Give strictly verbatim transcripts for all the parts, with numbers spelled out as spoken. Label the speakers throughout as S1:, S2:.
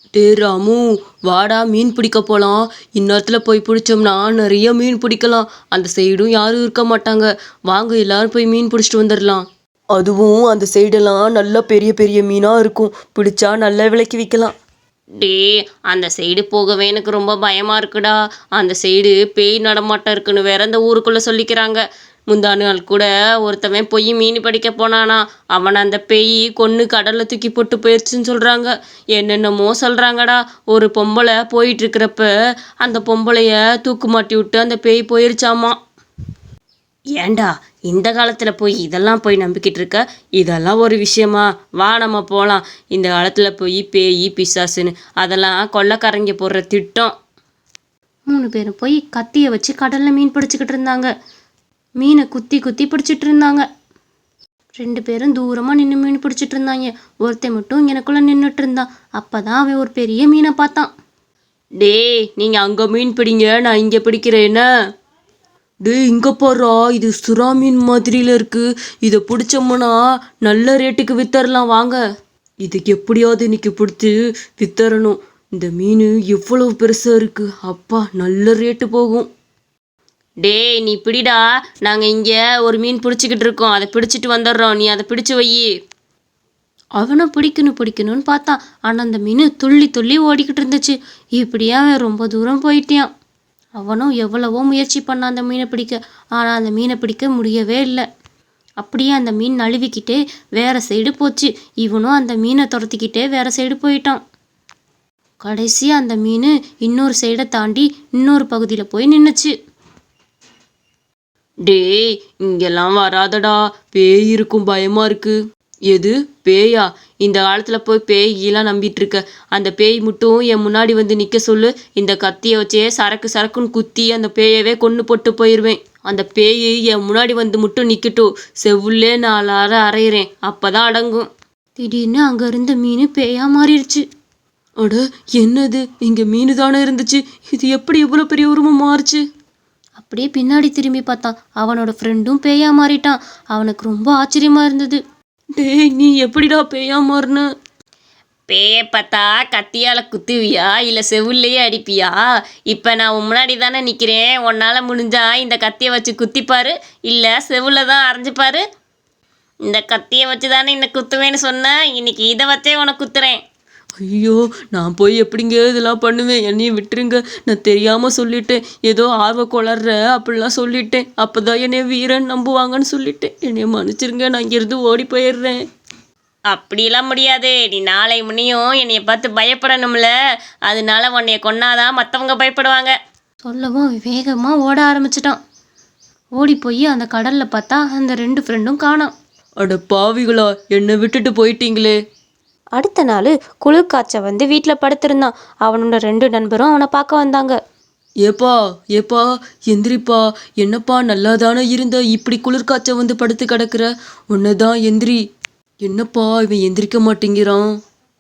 S1: டே ராமு, வாடா மீன் பிடிக்க போகலாம். இந்நேரத்தில் போய் பிடிச்சோம்னா நிறைய மீன் பிடிக்கலாம். அந்த சைடும் யாரும் இருக்க மாட்டாங்க. வாங்க எல்லாரும் போய் மீன் பிடிச்சிட்டு வந்துடலாம். அதுவும் அந்த சைடெல்லாம் நல்ல பெரிய பெரிய மீனாக இருக்கும். பிடிச்சா நல்ல விலைக்கு விற்கலாம்.
S2: டே அந்த சைடு போகவே எனக்கு ரொம்ப பயமாக இருக்குடா. அந்த சைடு பேய் நடமாட்டம் இருக்குன்னு வேற அந்த ஊருக்குள்ளே சொல்லிக்கிறாங்க. முந்தா நாள் கூட ஒருத்தவன் போய் மீன் பிடிக்க போனானா. அவனை அந்த பேய் கொன்று கடலில் தூக்கி போட்டு போயிடுச்சுன்னு சொல்கிறாங்க. என்னென்னமோ சொல்கிறாங்கடா. ஒரு பொம்பளை போயிட்டு இருக்கிறப்ப அந்த பொம்பளைய தூக்கு மாட்டி விட்டு அந்த பேய் போயிருச்சாமா. ஏண்டா இந்த காலத்தில் போய் இதெல்லாம் போய் நம்பிக்கிட்டு இருக்க? இதெல்லாம் ஒரு விஷயமா? வா நம்ம போகலாம். இந்த காலத்தில் போய் பேய் பிசாசுன்னு அதெல்லாம் கொள்ளைக்காரங்க போடுற திட்டம். மூணு பேரும் போய் கத்தியை வச்சு கடலில் மீன் பிடிச்சிக்கிட்டு இருந்தாங்க. மீனை குத்தி குத்தி பிடிச்சிட்டு இருந்தாங்க. ரெண்டு பேரும் தூரமாக நின்று மீன் பிடிச்சிட்டு இருந்தாங்க. ஒருத்தன் மட்டும் எனக்குள்ளே நின்றுட்டு இருந்தான். அப்போ தான் அவன் ஒரு பெரிய மீனை பார்த்தான்.
S1: டே நீங்கள் அங்கே மீன் பிடிங்க, நான் இங்கே பிடிக்கிறேன். டே இங்கே போடுறா, இது சுறா மீன் மாதிரியில் இருக்குது. இதை பிடிச்சோம்னா நல்ல ரேட்டுக்கு வித்தரலாம். வாங்க, இதுக்கு எப்படியாவது இன்னைக்கு பிடிச்சி வித்தரணும். இந்த மீன் எவ்வளவு பெருசாக இருக்குது. அப்பா நல்ல ரேட்டு போகும்.
S2: டே நீ பிடிடா, நாங்கள் இங்கே ஒரு மீன் பிடிச்சிக்கிட்டு இருக்கோம். அதை பிடிச்சிட்டு வந்துடுறோம். நீ அதை பிடிச்சி வை.
S3: அவனை பிடிக்கணும் பிடிக்கணும்னு பார்த்தான். ஆனால் அந்த மீன் துள்ளி துள்ளி ஓடிக்கிட்டு இருந்துச்சு. இப்படியே அவன் ரொம்ப தூரம் போயிட்டான். அவனும் எவ்வளவோ முயற்சி பண்ணான் அந்த மீனை பிடிக்க. ஆனால் அந்த மீனை பிடிக்க முடியவே இல்லை. அப்படியே அந்த மீன் நழுவிக்கிட்டே வேற சைடு போச்சு. இவனும் அந்த மீனை துரத்திக்கிட்டே வேற சைடு போயிட்டான். கடைசி அந்த மீன் இன்னொரு சைடை தாண்டி இன்னொரு பகுதியில் போய் நின்றுச்சு.
S1: டே இங்கெல்லாம் வராதடா, பேய் இருக்கும், பயமா இருக்கு. எது பேயா? இந்த காலத்தில் போய் பேயெல்லாம் நம்பிட்டு இருக்க? அந்த பேய் மட்டும் என் முன்னாடி வந்து நிற்க சொல்லு. இந்த கத்தியை வச்சே சரக்கு சரக்குன்னு குத்தி அந்த பேயவே கொன்று போட்டு போயிடுவேன். அந்த பேய் என் முன்னாடி வந்து மட்டும் நிற்கட்டும். செவ்வுள்ளே நாலு அரை அரைகிறேன், அப்போ தான் அடங்கும்.
S3: திடீர்னு அங்கே இருந்த மீன் பேயா மாறிடுச்சு.
S1: அட என்னது, இங்கே மீன் தானே இருந்துச்சு. இது எப்படி இவ்வளோ பெரிய உருவம் மாறுச்சு?
S3: அப்படியே பின்னாடி திரும்பி பார்த்தான். அவனோட ஃப்ரெண்டும் பேயா மாறிட்டான். அவனுக்கு ரொம்ப ஆச்சரியமா இருந்தது.
S1: டேய் நீ எப்படிடா பேயா மாறின?
S2: பேயை பார்த்தா கத்தியால் குத்துவியா இல்லை செவுல்லையே அடிப்பியா? இப்போ நான் உன் முன்னாடி தானே நிற்கிறேன். உன்னால் முடிஞ்சா இந்த கத்தியை வச்சு குத்திப்பாரு, இல்லை செவுல தான் அரைஞ்சிப்பாரு. இந்த கத்தியை வச்சு தானே இந்த குத்துவேன்னு சொன்னேன். இன்னைக்கு இதை வச்சே உனக்கு குத்துறேன்.
S1: ஐயோ, நான் போய் எப்படிங்க இதெல்லாம் பண்ணுவேன்? என்னையும் விட்டுருங்க. நான் தெரியாமல் சொல்லிட்டேன். ஏதோ ஆர்வ கொளர்ற அப்படிலாம் சொல்லிட்டேன். அப்போ தான் என்னைய வீரன் நம்புவாங்கன்னு சொல்லிட்டேன். என்னைய மன்னிச்சிருங்க, நான் இங்கேருந்து ஓடி போயிடுறேன்.
S2: அப்படிலாம் முடியாது. நீ நாளை முன்னையும் என்னைய பார்த்து பயப்படணும்ல. அதனால உன்னைய கொன்னாதான் மற்றவங்க பயப்படுவாங்க.
S3: சொல்லவும் வேகமாக ஓட ஆரம்பிச்சிட்டான். ஓடி போய் அந்த கடலில் பார்த்தா அந்த ரெண்டு ஃப்ரெண்டும் காணோம்.
S1: அட பாவிகளா, என்னை விட்டுட்டு போயிட்டீங்களே.
S3: அடுத்த நாள் குளிர் காய்ச்ச வந்து வீட்டில் படுத்திருந்தான். அவனோட ரெண்டு நண்பரும் அவனை பார்க்க வந்தாங்க.
S1: ஏப்பா ஏப்பா எந்திரிப்பா. என்னப்பா நல்லா தானே இருந்த, இப்படி குளிர் காய்ச்ச வந்து படுத்து கிடக்குற. உன்னதான் எந்திரி. என்னப்பா இவன் எந்திரிக்க மாட்டேங்கிறான்?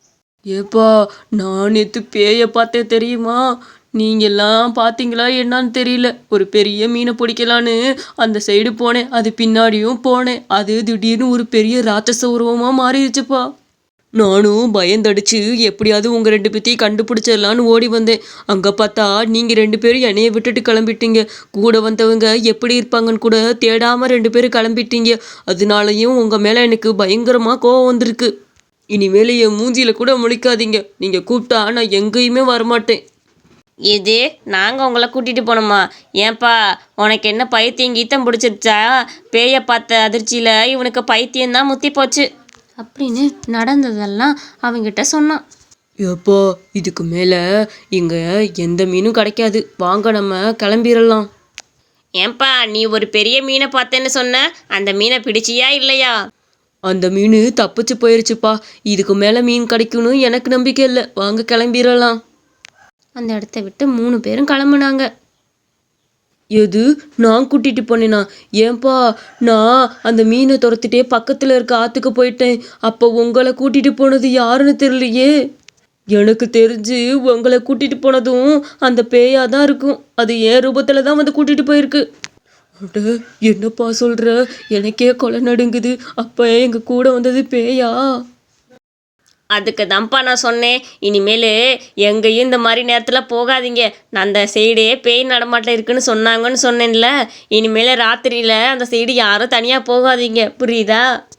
S1: ஏப்பா நான் நேற்று பேயை பார்த்தேன் தெரியுமா? நீங்கெல்லாம் பார்த்தீங்களா என்னான்னு தெரியல. ஒரு பெரிய மீனை பிடிக்கலான்னு அந்த சைடு போனேன். அது பின்னாடியும் போனேன். அது திடீர்னு ஒரு பெரிய ராட்சச உருவமாக மாறிடுச்சுப்பா. நானும் பயந்தடிச்சு எப்படியாவது உங்கள் ரெண்டு பேத்தையும் கண்டுபிடிச்சிடலான்னு ஓடி வந்தேன். அங்கே பார்த்தா நீங்கள் ரெண்டு பேரும் என்னையை விட்டுட்டு கிளம்பிட்டீங்க. கூட வந்தவங்க எப்படி இருப்பாங்கன்னு கூட தேடாமல் ரெண்டு பேரும் கிளம்பிட்டீங்க. அதனாலையும் உங்கள் மேலே எனக்கு பயங்கரமாக கோவம் வந்திருக்கு. இனிமேல் என் மூஞ்சியில் கூட முழிக்காதீங்க. நீங்கள் கூப்பிட்டா நான் எங்கேயுமே வரமாட்டேன்.
S2: இது நாங்கள் உங்களை கூட்டிகிட்டு போனோமா? ஏன்பா உனக்கு என்ன பைத்தியம் கீத்தம் பிடிச்சிருச்சா? பேயை பார்த்த அதிர்ச்சியில் இவனுக்கு பைத்தியம்தான் முத்தி போச்சு
S3: அப்படின்னு நடந்ததெல்லாம் அவங்கிட்ட சொன்னான்.
S1: ஏப்பா இதுக்கு மேலே இங்கே எந்த மீனும் கிடைக்காது. வாங்க நம்ம கிளம்பிடலாம்.
S2: ஏன்பா நீ ஒரு பெரிய மீனை பார்த்தேன்னு சொன்ன, அந்த மீனை பிடிச்சியா இல்லையா?
S1: அந்த மீன் தப்பிச்சு போயிருச்சுப்பா. இதுக்கு மேலே மீன் கிடைக்கணும் எனக்கு நம்பிக்கை இல்லை. வாங்க கிளம்பிடலாம்.
S3: அந்த இடத்த விட்டு மூணு பேரும் கிளம்புனாங்க.
S1: எது நான் கூட்டிகிட்டு போனேனா? ஏன்பா நான் அந்த மீனை துரத்திட்டே பக்கத்தில் இருக்க ஆற்றுக்கு போயிட்டேன். அப்போ உங்களை கூட்டிகிட்டு போனது யாருன்னு தெரியலையே. எனக்கு தெரிஞ்சு உங்களை கூட்டிகிட்டு போனதும் அந்த பேயாக தான் இருக்கும். அது என் ரூபத்தில் தான் வந்து கூட்டிகிட்டு போயிருக்கு. அட என்னப்பா சொல்கிற? எனக்கே கொலை நடுங்குது. அப்போ எங்கள் கூட வந்தது பேயா?
S2: அதுக்கு தான்ப்பா நான் சொன்னேன், இனிமேல் எங்கேயும் இந்த மாதிரி நேரத்தில் போகாதீங்க. நான் அந்த சைடே பேய் நடமாட்டம் இருக்குன்னு சொன்னாங்கன்னு சொன்னேன்ல, இனிமேல் ராத்திரியில் அந்த சைடு யாரும் தனியாக போகாதீங்க, புரியுதா?